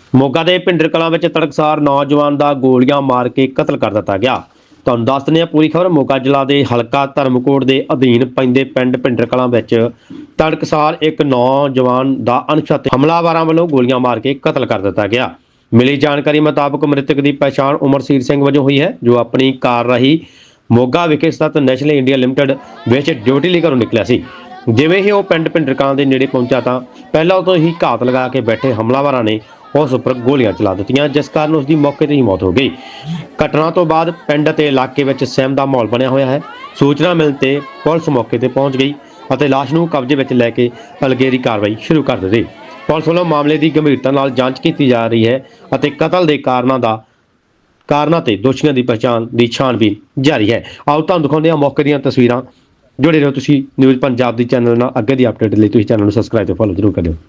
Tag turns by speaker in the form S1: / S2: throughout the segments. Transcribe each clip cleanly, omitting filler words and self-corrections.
S1: ਮੋਗਾ ਦੇ ਭਿੰਡਰ ਕਲਾਂ ਵਿੱਚ ਤੜਕਸਾਰ ਨੌਜਵਾਨ ਦਾ ਗੋਲੀਆਂ ਮਾਰ ਕੇ ਕਤਲ ਕਰ ਦਿੱਤਾ ਗਿਆ। ਤੁਹਾਨੂੰ ਦੱਸ ਦਿੰਦੇ ਹਾਂ ਪੂਰੀ ਖਬਰ। ਮੋਗਾ ਜ਼ਿਲ੍ਹਾ ਦੇ ਹਲਕਾ ਧਰਮਕੋਟ ਦੇ ਅਧੀਨ ਪੈਂਦੇ ਪਿੰਡ ਭਿੰਡਰ ਕਲਾਂ ਵਿੱਚ ਤੜਕਸਾਰ ਇੱਕ ਨੌਜਵਾਨ ਦਾ ਅਣਛਾਤੇ ਹਮਲਾਵਰਾਂ ਵੱਲੋਂ ਗੋਲੀਆਂ ਮਾਰ ਕੇ ਕਤਲ ਕਰ ਦਿੱਤਾ ਗਿਆ। ਮਿਲੀ ਜਾਣਕਾਰੀ ਮੁਤਾਬਕ ਮ੍ਰਿਤਕ ਦੀ ਪਛਾਣ ਉਮਰਸੀਰ ਸਿੰਘ ਵਜੋਂ ਹੋਈ ਹੈ, ਜੋ ਆਪਣੀ ਕਾਰ ਰਾਹੀਂ ਮੋਗਾ ਵਿਖੇ ਸਥਿਤ ਨੈਸ਼ਨਲ ਇੰਡੀਆ ਲਿਮਟਿਡ ਵਿੱਚ ਡਿਊਟੀ ਲਈ ਘਰੋਂ ਨਿਕਲਿਆ ਸੀ। ਜਿਵੇਂ ਹੀ ਉਹ ਪਿੰਡ ਭਿੰਡਰ ਕਲਾਂ ਦੇ ਨੇੜੇ ਪਹੁੰਚਾ ਤਾਂ ਪਹਿਲਾਂ ਤੋਂ ਹੀ ਘਾਤ ਲਗਾ ਕੇ ਬੈਠੇ ਹਮਲਾਵਰਾਂ ਨੇ ਉਸ ਉੱਪਰ ਗੋਲੀਆਂ ਚਲਾ ਦਿੱਤੀਆਂ, ਜਿਸ ਕਾਰਨ ਉਸ ਦੀ ਮੌਕੇ ਤੇ ਹੀ ਮੌਤ ਹੋ ਗਈ। ਘਟਨਾ ਤੋਂ ਬਾਅਦ ਪਿੰਡ ਅਤੇ ਇਲਾਕੇ ਵਿੱਚ ਸਹਿਮ ਦਾ ਮਾਹੌਲ ਬਣਿਆ ਹੋਇਆ ਹੈ। ਸੂਚਨਾ ਮਿਲਣ ਤੇ ਪੁਲਿਸ ਮੌਕੇ ਤੇ ਪਹੁੰਚ ਗਈ ਅਤੇ ਲਾਸ਼ ਨੂੰ ਕਬਜ਼ੇ ਵਿੱਚ ਲੈ ਕੇ ਅਗਲੇਰੀ ਕਾਰਵਾਈ ਸ਼ੁਰੂ ਕਰ ਦਿੱਤੀ। ਪੁਲਿਸ ਵੱਲੋਂ ਮਾਮਲੇ ਦੀ ਗੰਭੀਰਤਾ ਨਾਲ ਜਾਂਚ ਕੀਤੀ ਜਾ ਰਹੀ ਹੈ ਅਤੇ ਕਤਲ ਦੇ ਕਾਰਨਾਂ ਤੇ ਦੋਸ਼ੀਆਂ ਦੀ ਪਛਾਣ ਦੀ ਛਾਣਬੀਨ ਜਾਰੀ ਹੈ। ਆਓ ਤੁਹਾਨੂੰ ਦਿਖਾਉਂਦੇ ਹਾਂ ਮੌਕੇ ਦੀਆਂ ਤਸਵੀਰਾਂ। ਜੁੜੇ ਰਹੋ ਤੁਸੀਂ ਨਿਊਜ਼ ਪੰਜਾਬ ਦੀ ਚੈਨਲ ਨਾਲ। ਅੱਗੇ ਦੀ ਅਪਡੇਟ ਲਈ ਤੁਸੀਂ ਚੈਨਲ ਨੂੰ ਸਬਸਕ੍ਰਾਈਬ ਤੇ ਫੋਲੋ ਜ਼ਰੂਰ ਕਰਿਓ।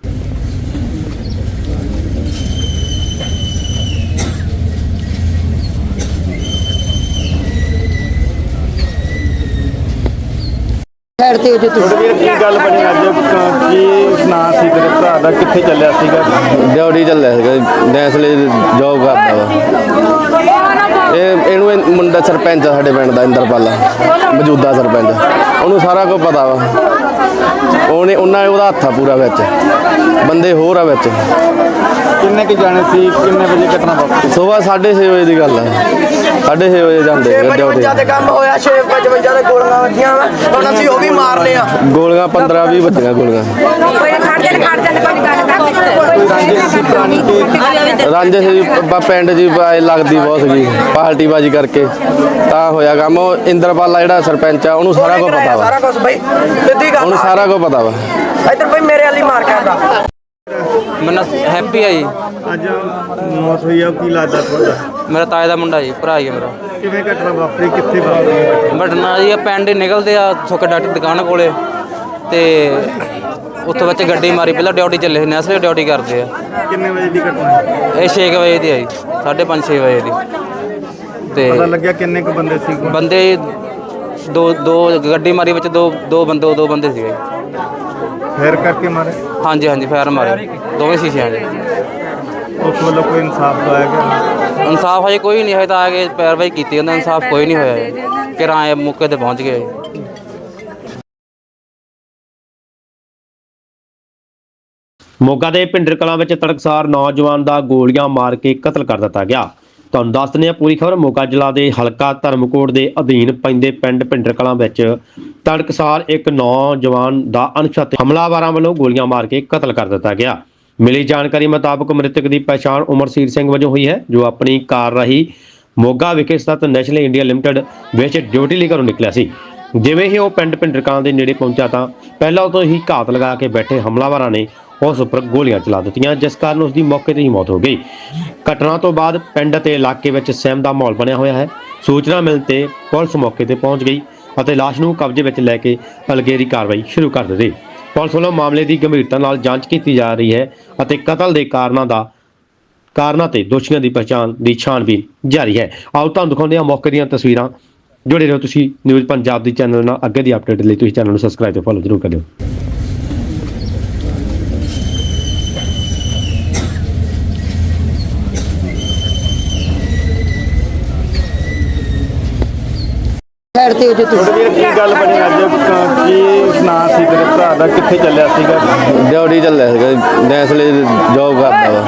S2: ਤੁਹਾਡੇ ਵੀਰ ਕੀ ਗੱਲ ਬਣੀ ਅੱਜ? ਕੀ ਨਾਂ ਸੀ ਤੇਰੇ ਭਰਾ ਦਾ? ਕਿੱਥੇ ਚੱਲਿਆ ਸੀਗਾ?
S3: ਡਿਊਟੀ ਚੱਲਿਆ ਸੀਗਾ, ਨੈਸਲੇ ਜੋਬ ਕਰਦਾ ਵਾ। ਇਹਨੂੰ ਮੁੰਡਾ ਸਰਪੰਚ ਆ ਸਾਡੇ ਪਿੰਡ ਦਾ, ਇੰਦਰਪਾਲ ਮੌਜੂਦਾ ਸਰਪੰਚ। ਉਹਨੂੰ ਸਾਰਾ ਕੁਝ ਪਤਾ ਵਾ। ਉਹਦਾ ਹੱਥ ਆ ਪੂਰਾ ਵਿੱਚ, ਬੰਦੇ ਹੋਰ ਆ ਵਿੱਚ।
S2: ਕਿੰਨੇ ਕੁ ਜਾਣੇ ਸੀ? ਕਿੰਨੇ ਵਜੇ ਘਟਨਾ ਵਾਪਰੀ?
S3: ਸੁਬਾਹ 6:30 ਵਜੇ ਦੀ ਗੱਲ ਹੈ। 6:30 ਵਜੇ ਜਾਂਦੇ ਡਿਊਟੀ
S4: ਤੇ ਕੰਮ ਹੋਇਆ। 6:55 ਦੇ ਗੋਲੀਆਂ ਵੱਜੀਆਂ ਵਾ, ਹੁਣ ਅਸੀਂ ਉਹ ਵੀ ਮਾਰ ਲਿਆ।
S3: ਗੋਲੀਆਂ 15-20 ਵੱਜੀਆਂ ਗੋਲੀਆਂ। ਰਾਂਝੇ ਸੀ ਪਿੰਡ ਜੀ ਲੱਗਦੀ ਬਹੁਤ ਸੀਗੀ, ਪਾਰਟੀਬਾਜੀ ਕਰਕੇ ਤਾਂ ਹੋਇਆ ਕੰਮ। ਉਹ ਇੰਦਰਪਾਲ ਜਿਹੜਾ ਸਰਪੰਚ ਆ, ਉਹਨੂੰ ਸਾਰਾ ਕੁਝ ਪਤਾ ਵਾ।
S4: ਸਾਰਾ ਕੁਝ ਬਈ ਸਿੱਧੀ ਗੱਲ,
S3: ਉਹਨੂੰ ਸਾਰਾ ਕੁਝ ਪਤਾ ਵਾ।
S4: ਇੱਧਰ ਬਈ ਮੇਰੇ ਵਾਲੀ ਮਾਰ ਕੇ ਆਂਦਾ।
S5: ਮੈਨੂੰ ਹੈਪੀ ਆ ਜੀ।
S2: ਅੱਜ ਮੌਤ ਹੋਈ ਆ, ਕੀ ਲੱਗਦਾ ਤੁਹਾਡਾ?
S5: ਮੇਰਾ ਤਾਏ ਦਾ ਮੁੰਡਾ ਜੀ, ਭਰਾ ਹੀ ਆ ਮੇਰਾ।
S2: ਕਿਵੇਂ ਘਟਨਾ ਵਾਪਰੀ? ਕਿੱਥੇ ਵਾਪਰੀ?
S5: ਬਟਨਾ ਜੀ ਪਿੰਡ ਹੀ ਨਿਕਲਦੇ ਆ ਸੁੱਕੇ ਡਾਕਟਰ ਦੁਕਾਨ ਕੋਲੇ, ਤੇ ਉੱਥੋਂ ਵਿੱਚ ਗੱਡੀ ਮਾਰੀ। ਪਹਿਲਾਂ ਡਿਊਟੀ ਚੱਲੇ ਸੀ, ਨੈਸਲੇ ਡਿਊਟੀ ਕਰਦੇ ਆ।
S2: ਕਿੰਨੇ ਵਜੇ ਦੀ ਘਟਨਾ?
S5: ਇਹ 6 ਵਜੇ ਦੀ ਆ ਜੀ, 5:30-6 ਵਜੇ ਦੀ। ਤੇ
S2: ਪਤਾ ਲੱਗਿਆ ਕਿੰਨੇ ਕੁ ਬੰਦੇ ਸੀ?
S5: ਬੰਦੇ ਦੋ ਗੱਡੀ ਮਾਰੀ ਵਿੱਚ, ਦੋ ਬੰਦੇ ਸੀਗੇ।
S2: ਫੇਰ ਕਰਕੇ ਮਾਰੇ?
S5: ਹਾਂਜੀ ਫਾਇਰ ਮਾਰੇ ਦੋਵੇਂ ਸ਼ੀਸ਼ਿਆਂ 'ਚ।
S2: ਉਸ ਵੱਲੋਂ ਕੋਈ ਇਨਸਾਫ ਦਵਾਇਆ ਗਿਆ?
S5: ਇਨਸਾਫ ਹਜੇ ਕੋਈ ਨਹੀਂ, ਹਜੇ ਤਾਂ ਆ ਕੇ ਪੈਰਵਾਈ ਕੀਤੀ ਉਹਨਾਂ। ਇਨਸਾਫ ਕੋਈ ਨਹੀਂ ਹੋਇਆ। ਕਿਰਾਏ ਮੌਕੇ ਤੇ ਪਹੁੰਚ ਗਏ।
S1: ਮੋਗਾ ਦੇ ਭਿੰਡਰ ਕਲਾਂ ਵਿੱਚ ਤੜਕਸਾਰ ਨੌਜਵਾਨ ਦਾ ਗੋਲੀਆਂ ਮਾਰ ਕੇ ਕਤਲ ਕਰ ਦਿੱਤਾ ਗਿਆ। ਤੁਹਾਨੂੰ ਦੱਸ ਦਿੰਦੇ ਹਾਂ ਪੂਰੀ ਖਬਰ। ਮੋਗਾ ਜ਼ਿਲ੍ਹਾ ਦੇ ਹਲਕਾ ਧਰਮਕੋਟ ਦੇ ਅਧੀਨ ਪੈਂਦੇ ਪਿੰਡ ਭਿੰਡਰ ਕਲਾਂ ਵਿੱਚ ਤੜਕਸਾਰ ਇੱਕ ਨੌਜਵਾਨ ਦਾ ਅਣਛਾਤੇ ਹਮਲਾਵਰਾਂ ਵੱਲੋਂ ਗੋਲੀਆਂ ਮਾਰ ਕੇ ਕਤਲ ਕਰ ਦਿੱਤਾ ਗਿਆ। ਮਿਲੀ ਜਾਣਕਾਰੀ ਮੁਤਾਬਕ ਮ੍ਰਿਤਕ ਦੀ ਪਛਾਣ ਉਮਰਸੀਰ ਸਿੰਘ ਵਜੋਂ ਹੋਈ ਹੈ, ਜੋ ਆਪਣੀ ਕਾਰ ਰਾਹੀਂ ਮੋਗਾ ਵਿਖੇ ਸਥਿਤ ਨੈਸ਼ਨਲ ਇੰਡੀਆ ਲਿਮਟਿਡ ਵਿੱਚ ਡਿਊਟੀ ਲਈ ਘਰੋਂ ਨਿਕਲਿਆ ਸੀ। ਜਿਵੇਂ ਹੀ ਉਹ ਪਿੰਡ ਭਿੰਡਰ ਕਲਾਂ ਦੇ ਨੇੜੇ ਪਹੁੰਚਾ ਤਾਂ ਪਹਿਲਾਂ ਤੋਂ ਹੀ ਘਾਤ ਲਗਾ ਕੇ ਬੈਠੇ ਹਮਲਾਵਰਾਂ ਨੇ ਉਸ ਉੱਪਰ ਗੋਲੀਆਂ ਚਲਾ ਦਿੱਤੀਆਂ, ਜਿਸ ਕਾਰਨ ਉਸ ਦੀ ਮੌਕੇ ਤੇ ਹੀ ਮੌਤ ਹੋ ਗਈ। ਘਟਨਾ ਤੋਂ ਬਾਅਦ ਪਿੰਡ ਅਤੇ ਇਲਾਕੇ ਵਿੱਚ ਸਹਿਮ ਦਾ ਮਾਹੌਲ ਬਣਿਆ ਹੋਇਆ ਹੈ। ਸੂਚਨਾ ਮਿਲਣ ਤੇ ਪੁਲਿਸ ਮੌਕੇ ਤੇ ਪਹੁੰਚ ਗਈ ਅਤੇ ਲਾਸ਼ ਨੂੰ ਕਬਜ਼ੇ ਵਿੱਚ ਲੈ ਕੇ ਅਗਲੇਰੀ ਕਾਰਵਾਈ ਸ਼ੁਰੂ ਕਰ ਦਿੱਤੀ। ਪੁਲਿਸ ਵੱਲੋਂ ਮਾਮਲੇ ਦੀ ਗੰਭੀਰਤਾ ਨਾਲ ਜਾਂਚ ਕੀਤੀ ਜਾ ਰਹੀ ਹੈ ਅਤੇ ਕਤਲ ਦੇ ਕਾਰਨਾਂ ਤੇ ਦੋਸ਼ੀਆਂ ਦੀ ਪਛਾਣ ਦੀ ਛਾਣਬੀਨ ਜਾਰੀ ਹੈ। ਆਓ ਤੁਹਾਨੂੰ ਦਿਖਾਉਂਦੇ ਹਾਂ ਮੌਕੇ ਦੀਆਂ ਤਸਵੀਰਾਂ। ਜੁੜੇ ਰਹੋ ਤੁਸੀਂ ਨਿਊਜ਼ ਪੰਜਾਬ ਦੀ ਚੈਨਲ ਨਾਲ। ਅੱਗੇ ਦੀ ਅਪਡੇਟ ਲਈ ਤੁਸੀਂ ਚੈਨਲ ਨੂੰ ਸਬਸਕ੍ਰਾਈਬ ਤੇ ਫੋਲੋ ਜ਼ਰੂਰ ਕਰਿਓ।
S2: ਤੁਹਾਡੇ ਵੀਰ ਕੀ ਗੱਲ ਬਣੀ ਅੱਜ? ਕੀ ਨਾਂ ਸੀ ਤੇਰੇ ਭਰਾ ਦਾ? ਕਿੱਥੇ ਚੱਲਿਆ ਸੀਗਾ?
S3: ਡਿਊਟੀ ਚੱਲਿਆ ਸੀਗਾ, ਨੈਸਲੇ ਜੋਬ ਕਰਦਾ ਵਾ।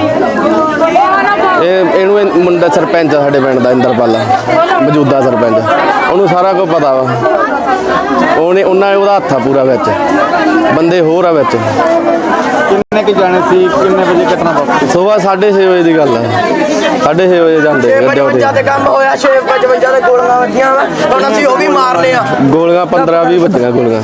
S3: ਇਹਨੂੰ ਮੁੰਡਾ ਸਰਪੰਚ ਆ ਸਾਡੇ ਪਿੰਡ ਦਾ, ਇੰਦਰਪਾਲ ਮੌਜੂਦਾ ਸਰਪੰਚ। ਉਹਨੂੰ ਸਾਰਾ ਕੁਝ ਪਤਾ ਵਾ। ਉਹਦਾ ਹੱਥ ਆ ਪੂਰਾ ਵਿੱਚ, ਬੰਦੇ ਹੋਰ ਆ ਵਿੱਚ।
S2: ਕਿੰਨੇ ਕੁ ਜਾਣੇ ਸੀ? ਕਿੰਨੇ ਵਜੇ ਘਟਨਾ ਵਾਪਰੀ?
S3: ਸੁਬਾਹ 6:30 ਵਜੇ ਦੀ ਗੱਲ ਹੈ। 6:30 ਵਜੇ ਜਾਂਦੇ ਡਿਊਟੀ।
S4: 6:55 ਤੇ ਕੰਮ ਹੋਇਆ। 6:55 ਦੇ ਗੋਲੀਆਂ ਵੱਜੀਆਂ ਵਾ, ਹੁਣ ਅਸੀਂ ਉਹ ਵੀ ਮਾਰ ਲਿਆ।
S3: ਗੋਲੀਆਂ 15-20 ਵੱਜੀਆਂ ਗੋਲੀਆਂ।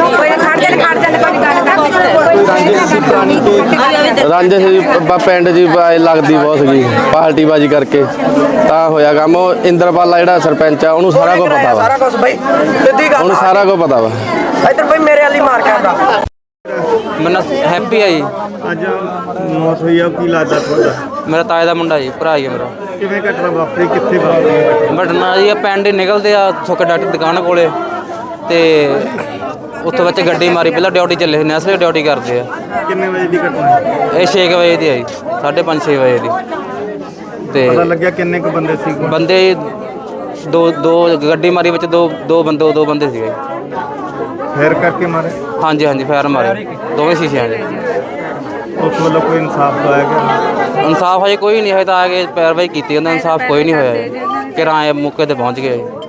S3: ਰਾਂਝੇ ਸੀ ਪਿੰਡ ਜੀ ਲੱਗਦੀ ਬਹੁਤ ਸੀਗੀ, ਪਾਰਟੀਬਾਜੀ ਕਰਕੇ ਤਾਂ ਹੋਇਆ ਕੰਮ। ਉਹ ਇੰਦਰਪਾਲ ਜਿਹੜਾ ਸਰਪੰਚ ਆ, ਉਹਨੂੰ ਸਾਰਾ ਕੁਝ ਪਤਾ ਵਾ।
S4: ਸਾਰਾ ਕੁਝ ਬਈ ਸਿੱਧੀ ਗੱਲ,
S3: ਉਹਨੂੰ ਸਾਰਾ ਕੁਝ ਪਤਾ ਵਾ।
S4: ਇੱਧਰ ਬਈ ਮੇਰੇ ਵਾਲੀ ਮਾਰ ਕੇ ਆਂਦਾ।
S5: ਮੈਨੂੰ ਹੈਪੀ ਆ ਜੀ।
S2: ਅੱਜ ਮੌਤ ਹੋਈ ਆ, ਕੀ ਲੱਗਦਾ ਤੁਹਾਡਾ?
S5: ਮੇਰਾ ਤਾਏ ਦਾ ਮੁੰਡਾ ਜੀ, ਭਰਾ ਹੀ ਆ ਮੇਰਾ।
S2: ਕਿਵੇਂ ਘਟਨਾ ਵਾਪਰੀ? ਕਿੱਥੇ ਵਾਪਰੀ?
S5: ਬਟਨਾ ਜੀ ਪਿੰਡ ਹੀ ਨਿਕਲਦੇ ਆ ਸੁੱਕੇ ਡਾਕਟਰ ਦੁਕਾਨ ਕੋਲੇ, ਤੇ ਉੱਥੋਂ ਵਿੱਚ ਗੱਡੀ ਮਾਰੀ ਪਹਿਲਾਂ ਡਿਊਟੀ ਚੱਲੇ ਸੀ ਨੈਸਲੇ ਡਿਊਟੀ ਕਰਦੇ ਆ।
S2: ਕਿੰਨੇ ਵਜੇ ਦੀ ਘਟਨਾ ਹੈ?
S5: ਇਹ 6 ਵਜੇ ਦੀ ਆਈ 5:30 6 ਵਜੇ ਦੀ ਤੇ
S2: ਪਤਾ ਲੱਗਿਆ ਕਿੰਨੇ ਕੁ ਬੰਦੇ ਸੀ?
S5: ਬੰਦੇ ਦੋ ਗੱਡੀ ਮਾਰੀ ਵਿੱਚ ਦੋ ਬੰਦੇ ਸੀਗੇ।
S2: ਫੇਰ ਕਰਕੇ ਮਾਰੇ?
S5: ਹਾਂਜੀ ਹਾਂਜੀ ਫਾਇਰ ਮਾਰੇ ਦੋਵੇਂ ਸ਼ੀਸ਼ਿਆਂ 'ਚ।
S2: ਉਸ ਵੱਲੋਂ ਕੋਈ ਇਨਸਾਫ ਦਵਾਇਆ ਗਿਆ?
S5: ਇਨਸਾਫ ਹਜੇ ਕੋਈ ਨਹੀਂ, ਹਜੇ ਤਾਂ ਆ ਕੇ ਪੈਰਵਾਈ ਕੀਤੀ ਉਹਨਾਂ ਇਨਸਾਫ ਕੋਈ ਨਹੀਂ ਹੋਇਆ। ਕਿਰਾਏ ਮੌਕੇ ਤੇ ਪਹੁੰਚ ਗਏ।